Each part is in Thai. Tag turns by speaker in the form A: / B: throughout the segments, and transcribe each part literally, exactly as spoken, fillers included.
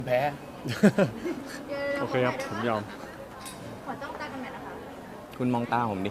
A: แพ้
B: โอเคครับผมยอม
C: ขอจ้องตากันหน่อยนะคะ
A: คุณมองตาผมดิ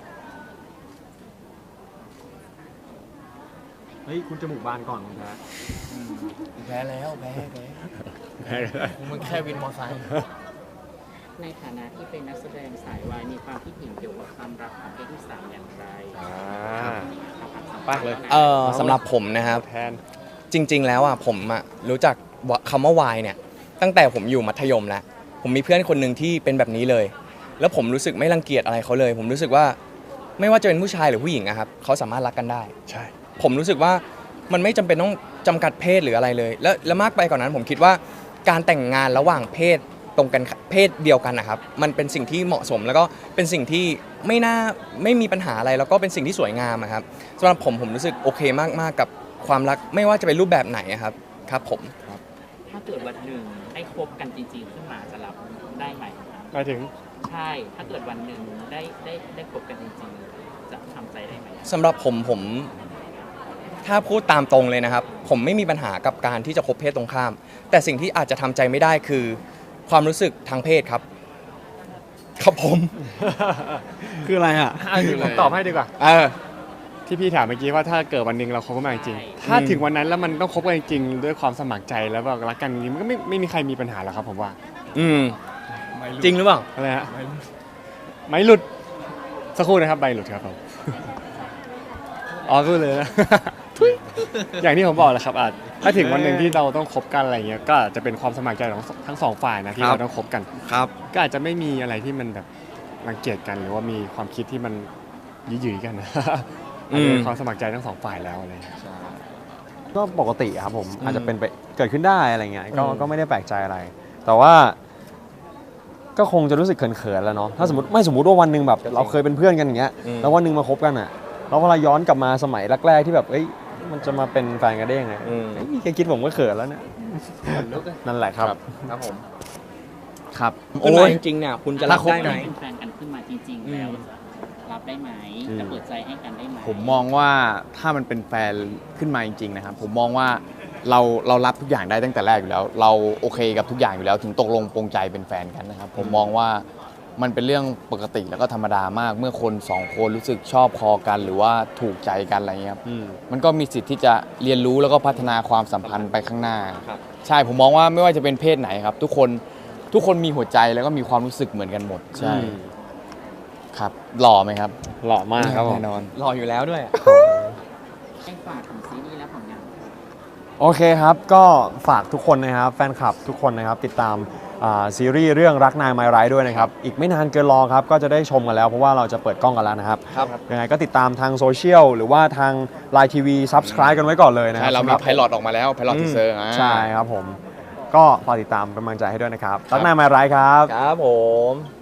B: เฮ้ยคุณจมูกบานก่อนคุณแพ้
A: แพ้แล้วแพ้แพ้
B: แพ้ก็ได้
A: มันแค่วินมอไซค์
D: ในฐานะที่เป็นนักแสดงสายวายมีความคิดเห็นเกี่ยวกับความรักของเพศที่สามอย่างไร
B: อ่าปากเลย
A: เออสำหรับผมนะครับ
B: แทน
A: จริง ๆ แล้วอ่ะผมอ่ะรู้จักคำว่าวายเนี่ยตั้งแต่ผมอยู่มัธยมแล้วผมมีเพื่อนคนหนึ่งที่เป็นแบบนี้เลย แล้วผมรู้สึกไม่รังเกียจอะไรเขาเลย ผมรู้สึกว่าไม่ว่าจะเป็นผู้ชายหรือผู้หญิงอะครับเขาสามารถรักกันได้
B: ใช่
A: ผมรู้สึกว่ามันไม่จำเป็นต้องจำกัดเพศหรืออะไรเลย แล้วและมากไปกว่านนั้นผมคิดว่าการแต่งงานระหว่างเพศตรงกันเพศเดียวกันนะครับมันเป็นสิ่งที่เหมาะสมแล้วก็เป็นสิ่งที่ไม่น่าไม่มีปัญหาอะไรแล้วก็เป็นสิ่งที่สวยงามอะครับสำหรับผมผมรู้สึกโอเคมากๆกับความรักไม่ว่าจะเป็นรูปแบบไหนอะครับครับผม
D: ถ้าเกิดวันหนึ่งได้คบกันจริงๆขึ้นมาจะรับได้ไหม
B: ไปถึง
D: ใช่ ถ้าเกิดวันหนึ่งได้ได้ได้คบกันจริงๆจะทำใจได้ไหม
A: สำหรับผมผมถ้าพูดตามตรงเลยนะครับ ผมไม่มีปัญหากับการที่จะคบเพศตรงข้าม แต่สิ่งที่อาจจะทำใจไม่ได้คือความรู้สึกทางเพศครับครับผม
B: คืออะไรอ่ะผมตอบให้ดีกว่า
A: เออ
B: ที่พี่ถามเมื่อกี้ว่าถ้าเกิดวันหนึ่งเราคบกันมาจริงๆถ้าถึงวันนั้นแล้วมันต้องคบกันจริงๆด้วยความสมัครใจแล้วแบบรักกันอย่างนี้มันก็ไม่ไม่มีใครมีปัญหาหรอกครับผมว่า
A: อืมจริงหรือเปล่า
B: อะไรฮะไม่หลุดสักครู่นะครับใบหลุดครับผมอ๋อก็เลยนะ ทุยอย่างที่ผมบอกแหละครับอาจถ้าถึงวันหนึ่งที่เราต้องคบกันอะไรเงี้ยก็อาจจะเป็นความสมัครใจของทั้งสองฝ่ายนะที่
A: ครับ
B: เราต้องคบกัน
A: ครับ
B: ก็อาจจะไม่มีอะไรที่มันแบบรังเกียจกันหรือว่ามีความคิดที่มันยืดหยุ่ยกันนะ อาจจะเป็นความสมัครใจทั้งสองฝ่ายแล้วอะไรเงี้ย
E: ก็ปกติครับผม
A: อืม
E: อาจจะเป็นไปเกิดขึ้นได้อะไรเงี้ยก็
A: อืม
E: ก็ไม่ได้แปลกใจอะไร แต่ว่าก็คงจะรู้สึกเขินๆแล้วเนาะถ้าสมมติไม่สมมติว่าวันหนึ่งแบบเราเคยเป็นเพื่อนกันอย่างเงี้ย
A: อืม
E: แล้ววันหนึ่งมาคบกันอ่ะแล้วเวลาย้อนกลับมาสมัยแรกๆที่แบบเอ้ยมันจะมาเป็นแฟนกันได้ยังไง
A: อืม
E: เอ้ยแค่คิดผมก็เขินแล้วเนี่ยนั่นแหละครับ
A: ครับผม
E: ครับ
A: โอ้ยจริงๆเนี่ยคุณจะรับได้ไหม
D: เป็นแฟนกันขึ้นมาจริงๆ แล้ว
A: อืม
D: จะรับได้ไหม
E: อืม
D: จะเปิดใจให้กันได้ไหม
F: ผมมองว่าถ้ามันเป็นแฟนขึ้นมาจริงๆนะครับผมมองว่าเราเรารับทุกอย่างได้ตั้งแต่แรกอยู่แล้ว เราโอเคกับทุกอย่างอยู่แล้ว ถึงตกลงปรงใจเป็นแฟนกันนะครับผมมองว่ามันเป็นเรื่องปกติแล้วก็ธรรมดามาก เมื่อคนสองคนรู้สึกชอบพอกัน หรือว่าถูกใจกันอะไรเงี้ยครับ
E: อืม
F: มันก็มีสิทธิ์ที่จะเรียนรู้แล้วก็พัฒนาความสัมพันธ์ไปข้างหน้า
A: ครับ
F: ใช่ผมมองว่าไม่ว่าจะเป็นเพศไหนครับ ทุกคนทุกคนมีหัวใจแล้วก็มีความรู้สึกเหมือนกันหมดใช่ครับหล่อไหมครับ
E: หล่อมากครับผม
F: แน่นอน
A: รออยู่แล้วด้วย
D: ให้ฝากถึงซีรีส์และผลงาน
E: โอเคครับ ก็ฝากทุกคนนะครับแฟนคลับทุกคนนะครับติดตามอ่าซีรีส์เรื่องรักนายไมร้ายด้วยนะครับอีกไม่นานเกินรอครับก็จะได้ชมกันแล้วเพราะว่าเราจะเปิดกล้องกันแล้วนะครับ
A: ครับ
E: ยังไงก็ติดตามทางโซเชียลหรือว่าทาง ไลน์ ที วี Subscribe กันไว้ก่อนเลยนะค
F: ใช่
E: รับ
F: เรามี
E: สำหบ
F: ไพลอตออกมาแล้วไพลอตทีเซอร์
E: ใช่ครับผม ก็ฝากติดตามเป็นกำลังใจให้ด้วยนะครับรักนายไมร้ายครับ
A: ครับผม